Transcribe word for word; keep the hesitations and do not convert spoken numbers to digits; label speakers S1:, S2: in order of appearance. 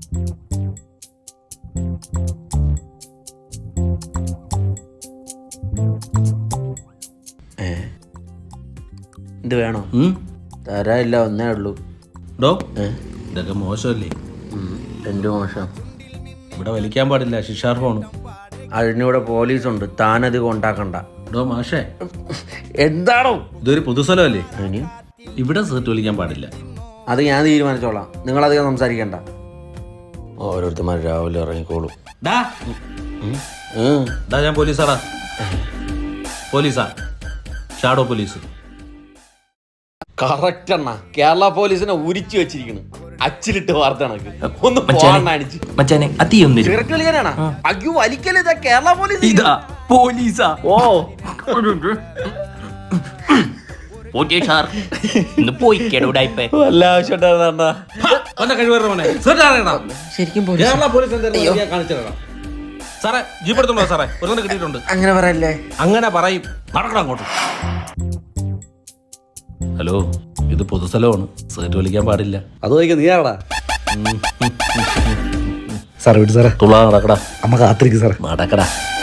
S1: ഏ ഇത് വേണോ? തരാനില്ല, ഒന്നേ ഉള്ളൂ.
S2: ഡോ ഇതൊക്കെ മോശമല്ലേ?
S1: എന്ത് മോശം?
S2: ഇവിടെ വലിക്കാൻ പാടില്ല, ശിക്ഷാർഹമാണ്.
S1: അതിനിവിടെ പോലീസുണ്ട്, താനത് കൊണ്ടാക്കണ്ട.
S2: ഡോ മാഷേ,
S1: എന്താണോ
S2: ഇതൊരു പൊതുസ്ഥലമല്ലേ?
S1: ഇനി
S2: ഇവിടെ സീറ്റ് വലിക്കാൻ പാടില്ല.
S1: അത് ഞാൻ തീരുമാനിച്ചോളാം, നിങ്ങളധികം സംസാരിക്കണ്ട. ഓരോരുത്തന്മാർ രാവിലെ ഇറങ്ങിക്കോളും.
S2: ഡാ ഡാ ഞാൻ പോലീസാടാ. പോലീസാ, ഷാഡോ പോലീസ്.
S1: കറക്റ്റ് അണ്ണ, കേരള പോലീസിനെ ഉരിച്ചു വെച്ചിരിക്കുന്നു, അച്ചിലിട്ട് വാർത്ത കണക്ക്. ഒന്ന്
S3: മച്ചാനെ അതിയൊന്നും
S1: കളിക്കാനാണ്. അയ്യോ വലിക്കല്, ഇതാ കേരള പോലീസ്.
S3: ഇതാ പോലീസാ.
S1: ഓ
S3: ഓക്കേ സാർ, ഇന്ന് പോയി കേടൂടായിപ്പേ.
S1: വല്ല ആവശ്യമുണ്ടായിരുന്ന ശരിക്കും
S2: കേരള പോലീസ് കാണിച്ചിടാം സാറേ. ജീപ്പ് എടുത്തോളൂ സാറേ, ഒരു കിട്ടിയിട്ടുണ്ട്.
S1: അങ്ങനെ പറയല്ലേ?
S2: അങ്ങനെ പറയും. നടക്കണം അങ്ങോട്ട്. ഹലോ, ഇത് പൊതുസ്ഥലമാണ്, സീറ്റ് വലിക്കാൻ പാടില്ല.
S4: അത് വയ്ക്കാൻ നീ ആടാ സാറേ. വിട്ടു സാറേ,
S2: തുള നടക്കടാ.
S4: അമ്മ കാത്തിരിക്കും സാറേ.
S2: നടക്കടാ.